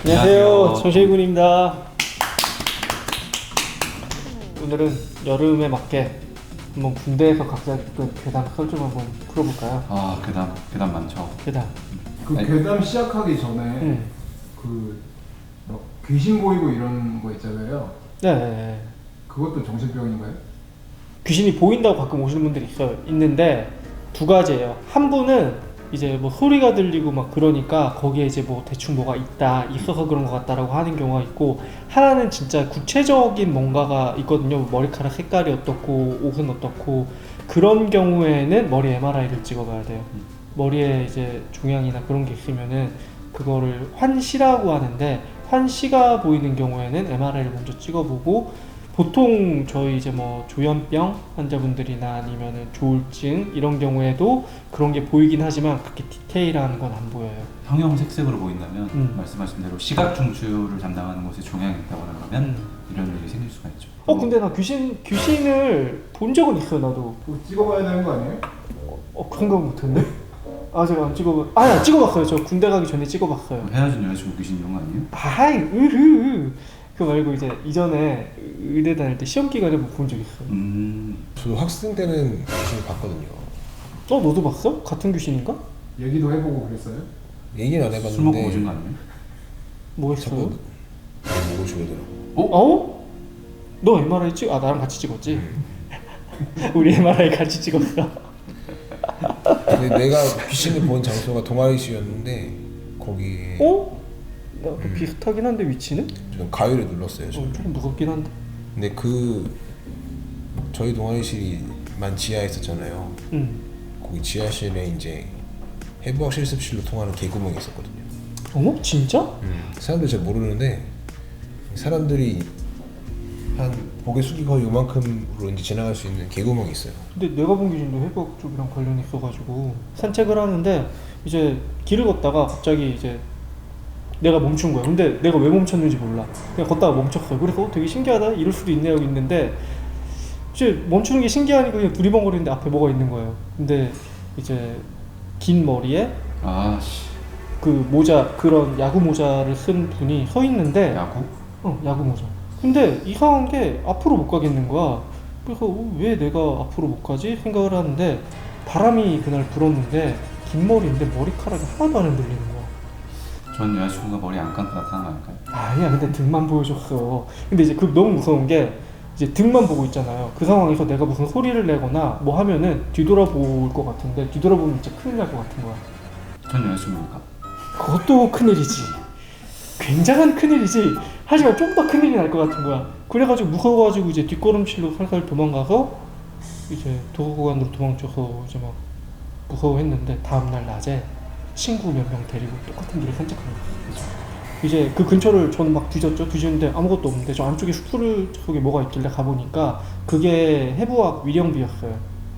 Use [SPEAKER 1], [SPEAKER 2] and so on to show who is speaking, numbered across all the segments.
[SPEAKER 1] 안녕하세요, 정실군입니다. 오늘은 여름에 맞게 한번 군대에서 각자 했던 괴담 설정 한번 풀어볼까요?
[SPEAKER 2] 아, 괴담 많죠.
[SPEAKER 1] 괴담.
[SPEAKER 3] 그 괴담 시작하기 전에 막 귀신 보이고 이런 거 있잖아요.
[SPEAKER 1] 네.
[SPEAKER 3] 그것도 정신병인가요?
[SPEAKER 1] 귀신이 보인다고 가끔 오시는 분들이 있는데 두 가지예요. 한 분은 이제 뭐 소리가 들리고 막 그러니까 거기에 이제 뭐 대충 뭐가 있어서 그런 것 같다라고 하는 경우가 있고, 하나는 진짜 구체적인 뭔가가 있거든요. 머리카락 색깔이 어떻고 옷은 어떻고, 그런 경우에는 머리 MRI를 찍어봐야 돼요. 머리에 이제 종양이나 그런 게 있으면은 그거를 환시라고 하는데, 환시가 보이는 경우에는 MRI를 먼저 찍어보고, 보통 저희 이제 뭐 조현병 환자분들이나 아니면은 조울증 이런 경우에도 그런 게 보이긴 하지만 그렇게 디테일한 건 안 보여요.
[SPEAKER 2] 형형색색으로 보인다면 말씀하신 대로 시각 중추를 담당하는 곳에 종양이 있다거나 그러면 이런 일이 생길 수가 있죠.
[SPEAKER 1] 근데 나 귀신을 본 적은 있어요, 나도.
[SPEAKER 3] 그거 찍어봐야 되는 거 아니에요?
[SPEAKER 1] 그 생각 못했네. 제가 안 찍어봤어요. 저 군대 가기 전에 찍어봤어요.
[SPEAKER 2] 헤어진 여자친구 귀신 이런 거 아니에요?
[SPEAKER 1] 그 말고 이제 이전에 의대 다닐 때 시험 기간에 뭐 본 적 있어요.
[SPEAKER 4] 저도 학생 때는 귀신을 봤거든요.
[SPEAKER 1] 너도 봤어? 같은 귀신인가?
[SPEAKER 3] 얘기도 해보고 그랬어요?
[SPEAKER 4] 얘기는 안 해봤는데
[SPEAKER 2] 술 먹고 오신 거 아니에요?
[SPEAKER 1] 뭐 했어요?
[SPEAKER 4] 자꾸 목을 조르더라고.
[SPEAKER 1] 너 MRI 나랑 같이 찍었지? 우리 MRI 같이 찍었어.
[SPEAKER 4] 근데 내가 귀신을 본 장소가 동아리시였는데 거기
[SPEAKER 1] 나도 비슷하긴 한데 위치는?
[SPEAKER 4] 저는 가위를 눌렀어요. 저는.
[SPEAKER 1] 조금 무섭긴 한데.
[SPEAKER 4] 근데 저희 동아리실이만 지하에 있었잖아요. 거기 지하실에 이제 해부학 실습실로 통하는 개구멍이 있었거든요.
[SPEAKER 1] 진짜?
[SPEAKER 4] 사람들이 잘 모르는데 사람들이 한 고개 숙이고 거의 요만큼으로 이제 지나갈 수 있는 개구멍이 있어요.
[SPEAKER 1] 근데 내가 본 귀신도 해부학 쪽이랑 관련이 있어가지고 산책을 하는데 이제 길을 걷다가 갑자기 이제 내가 멈춘 거야. 근데 내가 왜 멈췄는지 몰라. 그냥 걷다가 멈췄어요. 그래서 되게 신기하다, 이럴 수도 있네 하고 있는데 이제 멈추는 게 신기하니까 그냥 두리번거리는데 앞에 뭐가 있는 거예요. 근데 이제 긴 머리에 그 모자, 그런 야구 모자를 쓴 분이 서 있는데.
[SPEAKER 2] 야구?
[SPEAKER 1] 야구 모자. 근데 이상한 게 앞으로 못 가겠는 거야. 그래서 왜 내가 앞으로 못 가지 생각을 하는데, 바람이 그날 불었는데 긴 머리인데 머리카락이 하나도 안 흔들리는 거야.
[SPEAKER 2] 전 여자친구가 머리 안 감고 나타난 거 아닐까요?
[SPEAKER 1] 아니야, 근데 등만 보여줬어. 근데 이제 너무 무서운 게 이제 등만 보고 있잖아요. 그 상황에서 내가 무슨 소리를 내거나 뭐 하면은 뒤돌아볼 것 같은데, 뒤돌아보면 진짜 큰일 날 것 같은 거야.
[SPEAKER 2] 전 여자친구니까.
[SPEAKER 1] 그것도 큰일이지. 굉장한 큰일이지. 하지만 좀 더 큰일이 날 것 같은 거야. 그래가지고 무서워가지고 이제 뒷걸음질로 살살 도망가서 이제 도서관으로 도망쳐서 이제 막 무서워했는데, 다음날 낮에 친구 몇 명 데리고 똑같은 길을 산책하는 거예요. 이제 그 근처를 저는 막 뒤졌는데 아무것도 없는데, 저 안쪽에 숲을 속에 뭐가 있길래 가보니까 그게 해부학 위령비였어요.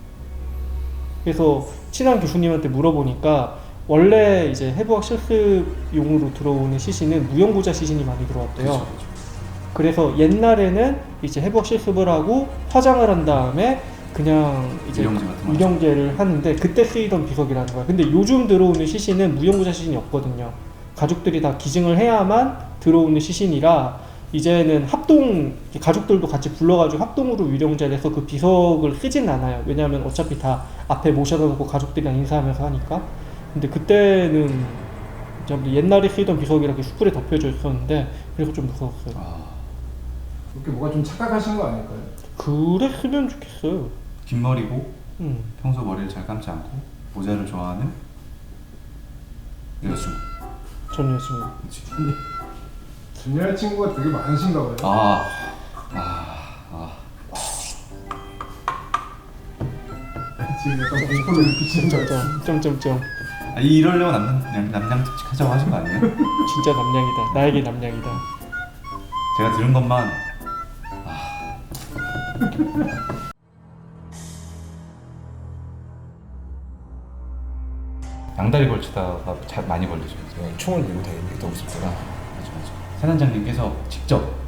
[SPEAKER 1] 그래서 친한 교수님한테 물어보니까 원래 이제 해부학 실습용으로 들어오는 시신은 무용고자 시신이 많이 들어왔대요.
[SPEAKER 2] 그렇죠.
[SPEAKER 1] 그래서 옛날에는 이제 해부학 실습을 하고 화장을 한 다음에 그냥 이제 유령제를 하는데, 그때 쓰이던 비석이라는 거야. 근데 요즘 들어오는 시신은 무용고자 시신이 없거든요. 가족들이 다 기증을 해야만 들어오는 시신이라 이제는 가족들도 같이 불러가지고 합동으로 유령제를 해서 그 비석을 쓰진 않아요. 왜냐하면 어차피 다 앞에 모셔다 놓고 가족들이랑 인사하면서 하니까. 근데 그때는 옛날에 쓰이던 비석이라고 숯불에 덮여져 있었는데, 그래서 좀 무서웠어요.
[SPEAKER 3] 그렇게 뭐가 좀 착각하신 거 아닐까요?
[SPEAKER 1] 그랬으면 좋겠어요.
[SPEAKER 2] 긴 머리고 평소 머리를 잘 감지 않고 모자를 좋아하는 여자친구.
[SPEAKER 1] 전 여친구.
[SPEAKER 2] 그렇지.
[SPEAKER 3] 전 여자친구가 되게 많으신가 봐요. 지금 약간 공포를 느끼시는 거 같아요.
[SPEAKER 1] 점점점.
[SPEAKER 2] 이러려고 남양특집 하자고 하신 거 아니에요?
[SPEAKER 1] 진짜 남양이다. 나에게 남양이다.
[SPEAKER 2] 제가 들은 것만 양다리 걸치다가 많이 걸리죠.
[SPEAKER 4] 총을 들고 다니는 게 더 무섭더라.
[SPEAKER 2] 맞아. 사단장님께서 직접